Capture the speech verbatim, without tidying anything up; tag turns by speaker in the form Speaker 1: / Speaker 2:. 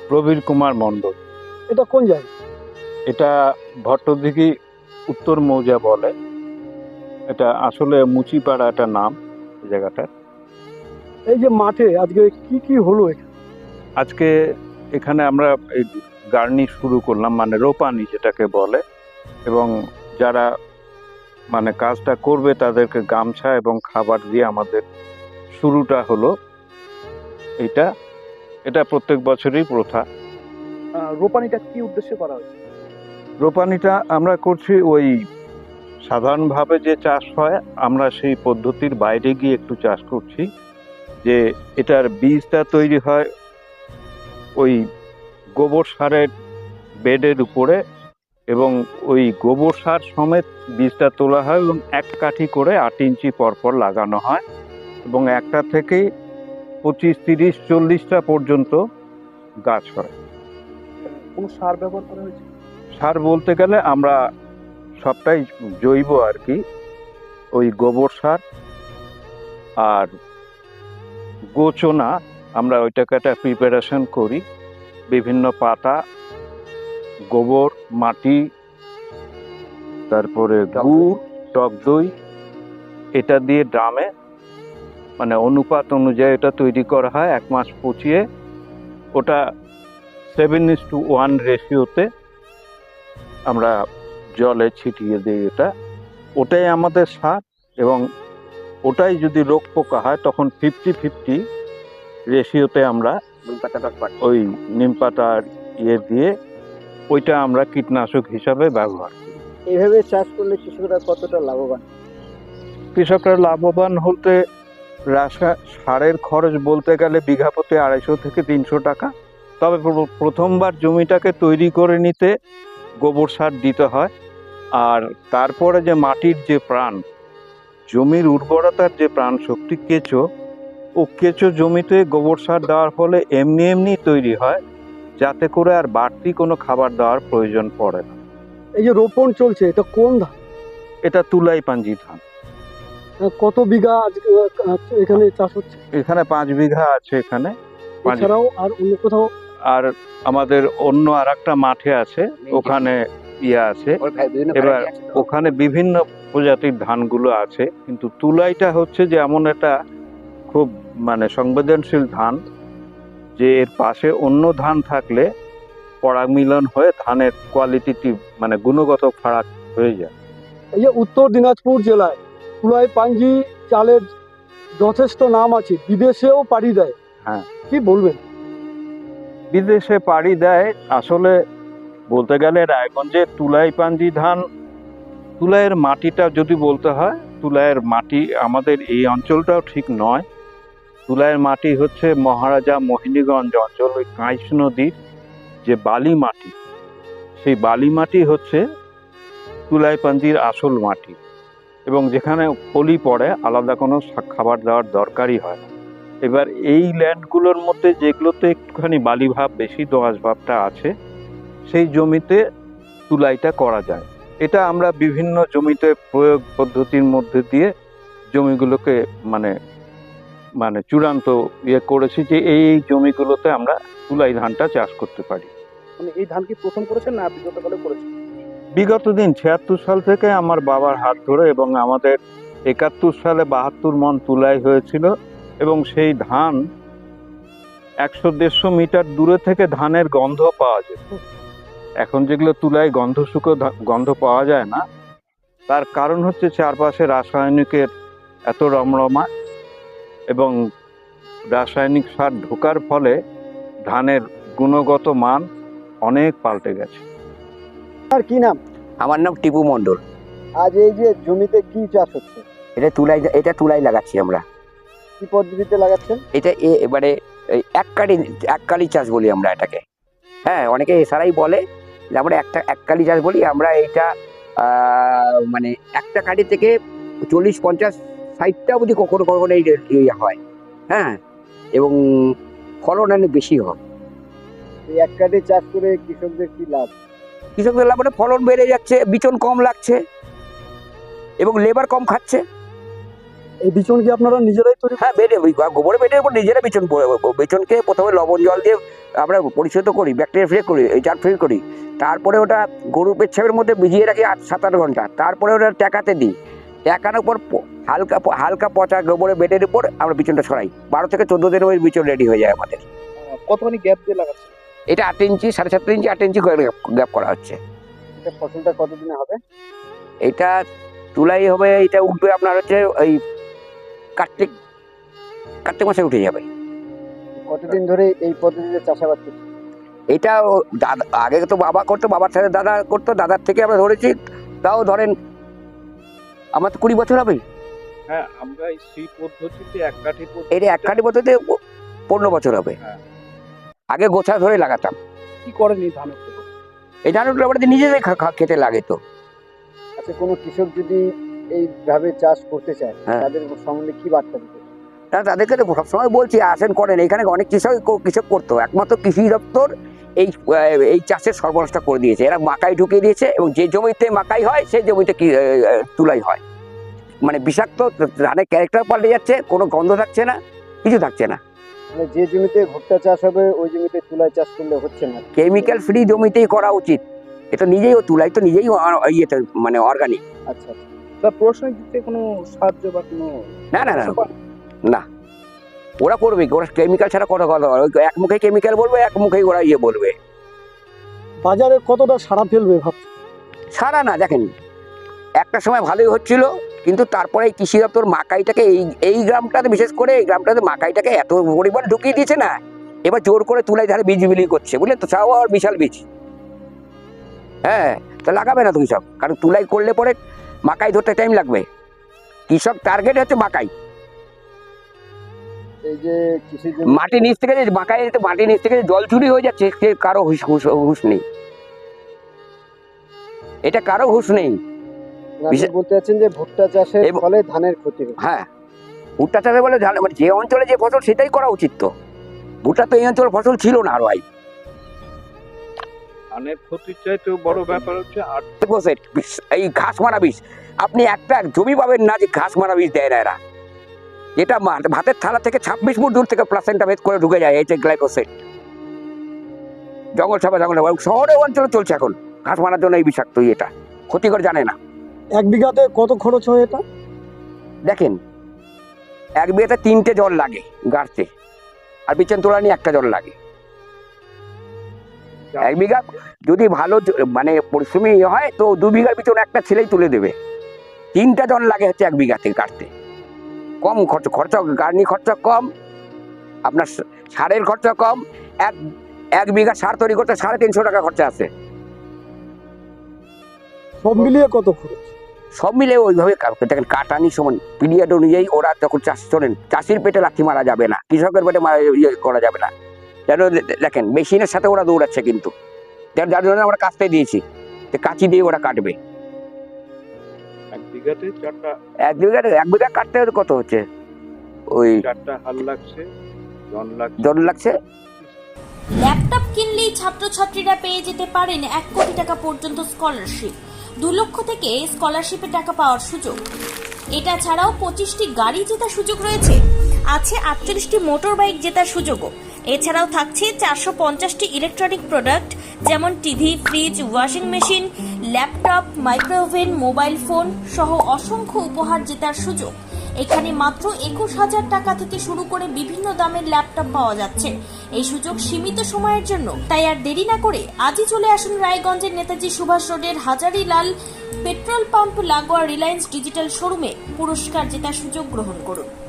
Speaker 1: প্রবীর কুমার মণ্ডল।
Speaker 2: এটা কোন জায়গা?
Speaker 1: এটা ভট্টদিঘি উত্তর মৌজা বলে। এটা আসলে মুচিপাড়া একটা নাম এই জায়গাটার।
Speaker 2: এই যে মাঠে আজকে কি কি হলো এখানে?
Speaker 1: আজকে এখানে আমরা এই গার্নি শুরু করলাম, মানে রোপানি যেটাকে বলে, এবং যারা মানে কাজটা করবে তাদেরকে গামছা এবং খাবার দিয়ে আমাদের শুরুটা হলো। এটা এটা প্রত্যেক বছরই প্রথা।
Speaker 2: আহ, রোপানিটা কি উদ্দেশ্যে করা হয়েছে?
Speaker 1: রোপানিটা আমরা করছি ওই সাধারণভাবে যে চাষ হয়, আমরা সেই পদ্ধতির বাইরে গিয়ে একটু চাষ করছি। যে এটার বীজটা তৈরি হয় ওই গোবর সারের বেডের উপরে, এবং ওই গোবর সার সমেত বীজটা তোলা হয় এবং এক কাঠি করে আট ইঞ্চি পরপর লাগানো হয়, এবং একটা থেকেই পঁচিশ তিরিশ চল্লিশটা পর্যন্ত গাছ হয়।
Speaker 2: কোনো সার ব্যবহার করা হয়েছে?
Speaker 1: সার বলতে গেলে আমরা সবটাই জৈব আর কি, ওই গোবর সার আর গোচনা, আমরা ওইটাকে একটা প্রিপারেশন করি। বিভিন্ন পাতা, গোবর, মাটি, তারপরে গুড়, টক দই, এটা দিয়ে ড্রামে মানে অনুপাত অনুযায়ী এটা তৈরি করা হয়। এক মাস পচিয়ে ওটা সেভেন ইস টু ওয়ান রেশিওতে আমরা জলে ছিটিয়ে দিই। এটা ওটাই আমাদের সার, এবং ওটাই যদি রোগ পোকা হয় তখন ফিফটি ফিফটি রেশিওতে আমরা ওই নিম পাতার ইয়ে দিয়ে ওইটা আমরা কীটনাশক হিসাবে ব্যবহার করি।
Speaker 2: এইভাবে চাষ করলে কৃষকরা কতটা লাভবান?
Speaker 1: কৃষকরা লাভবান হতে রাসা সারের খরচ বলতে গেলে বিঘা প্রতি আড়াইশো থেকে তিনশো টাকা। তবে প্রথমবার জমিটাকে তৈরি করে নিতে গোবর সার দিতে হয়, আর তারপরে যে মাটির যে প্রাণ, জমির উর্বরতার যে প্রাণ শক্তি কেঁচো, ও কেঁচো জমিতে গোবর সার দেওয়ার ফলে এমনি এমনি তৈরি হয়, যাতে করে আর বাড়তি কোনো খাবার দেওয়ার প্রয়োজন পড়ে না।
Speaker 2: এই যে রোপণ চলছে, এটা কোন ধান?
Speaker 1: এটা তুলাই পাঞ্জি ধান।
Speaker 2: কত বিঘা আজকে এখানে চাষ হচ্ছে?
Speaker 1: এখানে পাঁচ বিঘা আছে এখানে।
Speaker 2: এছাড়াও আর অন্য কোথাও?
Speaker 1: আর আমাদের অন্য আর একটা মাঠে আছে, ওখানে ইয়ে আছে। এবার ওখানে বিভিন্ন প্রজাতির ধানগুলো আছে, কিন্তু তুলাইটা হচ্ছে যে এমন একটা খুব মানে সংবেদনশীল ধান, যে এর পাশে অন্য ধান থাকলে পরাগ মিলন হয়ে ধানের কোয়ালিটি মানে গুণগত ফারাক হয়ে যায়।
Speaker 2: এই যে উত্তর দিনাজপুর জেলায় তুলাই পাঞ্জি চালের যথেষ্ট নাম আছে, বিদেশেও পাড়ি দেয়।
Speaker 1: হ্যাঁ,
Speaker 2: কি বলবেন?
Speaker 1: বিদেশে পাড়ি দেয় আসলে বলতে গেলে রায়গঞ্জে তুলাই পাঞ্জি ধান, তুলাইয়ের মাটিটা যদি বলতে হয়, তুলাইয়ের মাটি আমাদের এই অঞ্চলটাও ঠিক নয়। তুলাইয়ের মাটি হচ্ছে মহারাজা মোহিনীগঞ্জ অঞ্চল, ওই কাঁইশ নদীর যে বালি মাটি, সেই বালি মাটি হচ্ছে তুলাই পাঞ্জির আসল মাটি, এবং যেখানে পলি পড়ে আলাদা কোনো খাবার দেওয়ার দরকারই হয় না। এবার এই ল্যান্ডগুলোর মধ্যে যেগুলোতে একটুখানি বালি ভাব বেশি, দোআঁশ ভাবটা আছে, সেই জমিতে তুলাইটা করা যায়। এটা আমরা বিভিন্ন জমিতে প্রয়োগ পদ্ধতির মধ্যে দিয়ে জমিগুলোকে মানে মানে চূড়ান্ত ইয়ে করেছি যে এই এই জমিগুলোতে আমরা তুলাই ধানটা চাষ করতে পারি।
Speaker 2: মানে এই ধান কি প্রথম করেছেন না বিগত কালে করেছেন?
Speaker 1: বিগত দিন ছিয়াত্তর সাল থেকে আমার বাবার হাত ধরে, এবং আমাদের একাত্তর সালে বাহাত্তর মন তুলাই হয়েছিল, এবং সেই ধান একশো দেড়শো মিটার দূরে থেকে ধানের গন্ধ পাওয়া যেত। এখন যেগুলো তুলায় গন্ধ শুকো গন্ধ পাওয়া যায় না, তার কারণ হচ্ছে চারপাশে রাসায়নিকের এত রমরমা, এবং রাসায়নিক সার ঢোকার ফলে ধানের গুণগত মান অনেক পাল্টে গেছে।
Speaker 2: আর কি নাম?
Speaker 3: আমার নাম টিপু মণ্ডল।
Speaker 2: আজ এই যে জমিতে কি চাষ হচ্ছে?
Speaker 3: এটা তুলাই এটা তুলাই লাগাচ্ছি আমরা।
Speaker 2: কি পদ্ধতিতে লাগাচ্ছেন?
Speaker 3: এটা এবারে এককালি এককালি চাষ বলি আমরা এটাকে। হ্যাঁ, অনেকে এছাড়াই বলে যে আমরা একটা এককালি চাষ বলি আমরা। এইটা মানে একটা কাঠি থেকে চল্লিশ পঞ্চাশ ষাটটা অবধি কখনো কখনো এই হয়। হ্যাঁ, এবং ফলন অনেক বেশি হয়।
Speaker 2: এই এক কাঠি চাষ করে কৃষকদের কি লাভ?
Speaker 3: কৃষকদের লাভ মানে ফলন বেড়ে যাচ্ছে, বিচন কম লাগছে, এবং লেবার কম খাচ্ছে।
Speaker 2: এই বিচন কি আপনারা নিজেরাই তৈরি?
Speaker 3: হ্যাঁ, বেডে গোবরের বেডের উপর নিজেরা বিচন বিচনকে প্রথমে লবণ জল দিয়ে আমরা পরিশোধ করি, ব্যাকটেরিয়া ফ্রি করি, জার ফ্রি করি, তারপরে ওটা গরুর পেচ্ছাপের মধ্যে ভিজিয়ে রাখি আট সাত আট ঘন্টা, তারপরে ওটা ট্যাকাতে দিই। ট্যাকানোর পর প- হালকা প- হালকা পচা গোবরে বেডের উপর আমরা বিচনটা সরাই। বারো থেকে চোদ্দ দিনের ওই বিচন রেডি হয়ে যায় আমাদের।
Speaker 2: কতখানি গ্যাপ দিয়ে লাগাচ্ছে?
Speaker 3: এটা আট ইঞ্চি, সাড়ে সাত ইঞ্চি, আট ইঞ্চি গ্যাপ করা হচ্ছে।
Speaker 2: এটা ফসলটা কতদিনে হবে?
Speaker 3: এটা তুলাই হবে, এটা উঠবে আপনার হচ্ছে ওই কার্তিক কার্তিক মাসে উঠে যাবে।
Speaker 2: কতদিন ধরে এই পদ্ধতিতে চাষাবাদ করছে?
Speaker 3: এটা ও- দাদা আগে তো বাবা করতো, বাবার সাথে দাদা করতো, দাদার থেকে আমরা ধরেছি। তাও ধরেন আমার তো কুড়ি বছর হবে।
Speaker 1: হ্যাঁ, আমরা এই সেই পদ্ধতিতে এক কাঠি
Speaker 3: এটা এক কাঠি পদ্ধতিতে প- পনেরো বছর হবে।
Speaker 1: হ্যাঁ।
Speaker 3: আগে গোছা ধরে লাগাতাম।
Speaker 2: কি করেন এই ধানের ক্ষেতে?
Speaker 3: এই ধানগুলো আমাদের নিজেদের খা- খা- খেতে লাগে তো।
Speaker 2: আচ্ছা, কোনো কৃষক যদি এইভাবে চাষ করতে চায়
Speaker 3: হ্যাঁ।
Speaker 2: তাদের সম্বন্ধে কি বার্তা দিতে?
Speaker 3: তা তাদেরকে তো সবসময় বলছি আসেন করেন। এখানে অনেক কৃষক কৃষক করতো, একমাত্র কৃষি দপ্তর এই আহ, এই চাষের সর্বনাশটা করে দিয়েছে। এরা মাকাই ঢুকিয়ে দিয়েছে এবং যে জমিতে মাকাই হয় সেই জমিতে কি আহ, আহ, তুলাই হয়। মানে বিষাক্ত ধানের ক্যারেক্টার পাল্টে যাচ্ছে, কোনো গন্ধ থাকছে না, কিছু থাকছে না।
Speaker 2: মানে যে জমিতে ভুট্টা চাষ হবে ওই জমিতে তুলা চাষ করলে হচ্ছে না।
Speaker 3: কেমিক্যাল ফ্রি জমিতেই করা উচিত। এটা নিজেই ও তুলাই তো নিজেই অ- ইয়েতে মানে অর্গানিক।
Speaker 2: আচ্ছা আচ্ছা, তা প্রশ্নের দিক থেকে কোনো সাহায্য বা কোনো
Speaker 3: না না না না, ওরা করবে কি? ওরা কেমিক্যাল ছাড়া কথা কথা বলে। ওই এক মুখে কেমিক্যাল বলবে, এক মুখেই ওরা ইয়ে বলবে।
Speaker 2: বাজারে কতটা সাড়া ফেলবে ভাবছি?
Speaker 3: সারা না, দেখেন একটা সময় ভালোই হচ্ছিল, কিন্তু তারপরে এই কৃষি দপ্তর মাকাইটাকে এই এই গ্রামটাতে, বিশেষ করে এই গ্রামটাতে মাকাইটাকে এত পরিমাণ ঢুকিয়ে দিয়েছে না, এবার জোর করে তুলাই ধারে বীজ বিলি করছে, বুঝলেন তো? তাও আর বিশাল বীজ। হ্যাঁ, তো লাগাবে না তো কৃষক, কারণ তুলাই করলে পরে মাকাই ধরতে টাইম লাগবে। কৃষক টার্গেট হচ্ছে মাকাই।
Speaker 2: এই যে কৃষি
Speaker 3: মাটির নিচ থেকে যে মাকাই মাটির নিচ থেকে যে জল চুরি হয়ে যাচ্ছে, সে কারো হুশ হুশ হুশ নেই। এটা কারো হুশ নেই। বিশেষ-
Speaker 2: বলতে চাচ্ছেন যে ভুট্টা চাষের
Speaker 3: এবং-
Speaker 2: ফলে ধানের ক্ষতি হবে।
Speaker 3: হ্যাঁ, ভুট্টা চাষে বলে ধান- মানে যে অঞ্চলে যে ফসল সেটাই করা উচিত। তো ভুট্টা তো এই অঞ্চলের ফসল ছিল না। আর ভাই
Speaker 1: ধানের ক্ষতির চাইতেও বড় ব্যাপার হচ্ছে আর
Speaker 3: গ্লাইফোসেট বিষ- এই ঘাস মারা বিষ। আপনি একটা জমি পাবেন না যে ঘাস মারা বিষ দেয় না এরা। এটা মা- ভাতের থালা থেকে ছাব্বিশ ফুট দূর থেকে প্লাসেন্টা ভেদ করে ঢুকে যায় এই যে গ্লাইফোসেট। জঙ্গল ছাপা জঙ্গল ছাপা। শহরে অঞ্চলে চলছে এখন ঘাস মারার জন্য এই বিষাক্ত এটা, ক্ষতিকর জানে না।
Speaker 2: এক বিঘাতে কত খরচ হয় এটা?
Speaker 3: দেখেন, এক বিঘাতে তিনটে জল লাগে গাড়তে, আর বিচন তোলা নিয়ে একটা জল লাগে। এক বিঘা যদি ভালো জ- মানে পরিশ্রমী হয় তো দু বিঘার পিছনে একটা ছেলেই তুলে দেবে। তিনটা জন লাগে হচ্ছে এক বিঘাতে কাটতে। কম খরচ, খরচা গার্নি খরচা কম, আপনার সা- সারের খরচা কম। এক এক বিঘা সার তৈরি করতে সাড়ে তিনশো টাকা খরচা আছে।
Speaker 2: সব মিলিয়ে কত খরচ?
Speaker 3: সব মিলে ওইভাবে কা- দেখেন কাটানি সমান পিরিয়ড অনুযায়ী ওরা যখন চাষ শোনেন, চাষির পেটে লাথি মারা যাবে না, কৃষকের পেটে মারা ইয়ে করা যাবে না। যেন দে- দেখেন মেশিনের সাথে ওরা দৌড়াচ্ছে, কিন্তু যার যার জন্য আমরা কাটতে দিয়েছি, যে কাঁচি দিয়ে ওরা কাটবে।
Speaker 1: এক বিঘাতে চারটা
Speaker 3: এক বিঘা এক বিঘা কাটতে হলে কত হচ্ছে? ওই
Speaker 1: চারটা হাল লাগছে, জন লাগছে।
Speaker 3: জন লাগছে।
Speaker 4: ল্যাপটপ কিনলেই ছাত্রছাত্রীরা পেয়ে যেতে পারেন এক কোটি টাকা পর্যন্ত স্কলারশিপ। দু লক্ষ থেকে স্কলারশিপে টাকা পাওয়ার সুযোগ। এটা ছাড়াও পঁচিশটি গাড়ি জেতার সুযোগ রয়েছে। আছে আটচল্লিশটি মোটর বাইক জেতার সুযোগও। এছাড়াও থাকছে চারশো পঞ্চাশটি ইলেকট্রনিক প্রোডাক্ট, যেমন TV, fridge, washing machine, laptop, micro oven, mobile phone সহ অসংখ্য উপহার জেতার সুযোগ। এখানে মাত্র একুশ হাজার টাকা থেকে শুরু করে বিভিন্ন দামের ল্যাপটপ পাওয়া যাচ্ছে। এই সুযোগ সীমিত সময়ের জন্য, তাই আর দেরি না করে আজই চলে আসুন রায়গঞ্জের নেতাজি সুভাষ রোডের হাজারিলাল পেট্রোল পাম্প লাগোয়া রিলায়েন্স ডিজিটাল শোরুমে পুরস্কার জেতার সুযোগ গ্রহণ করুন।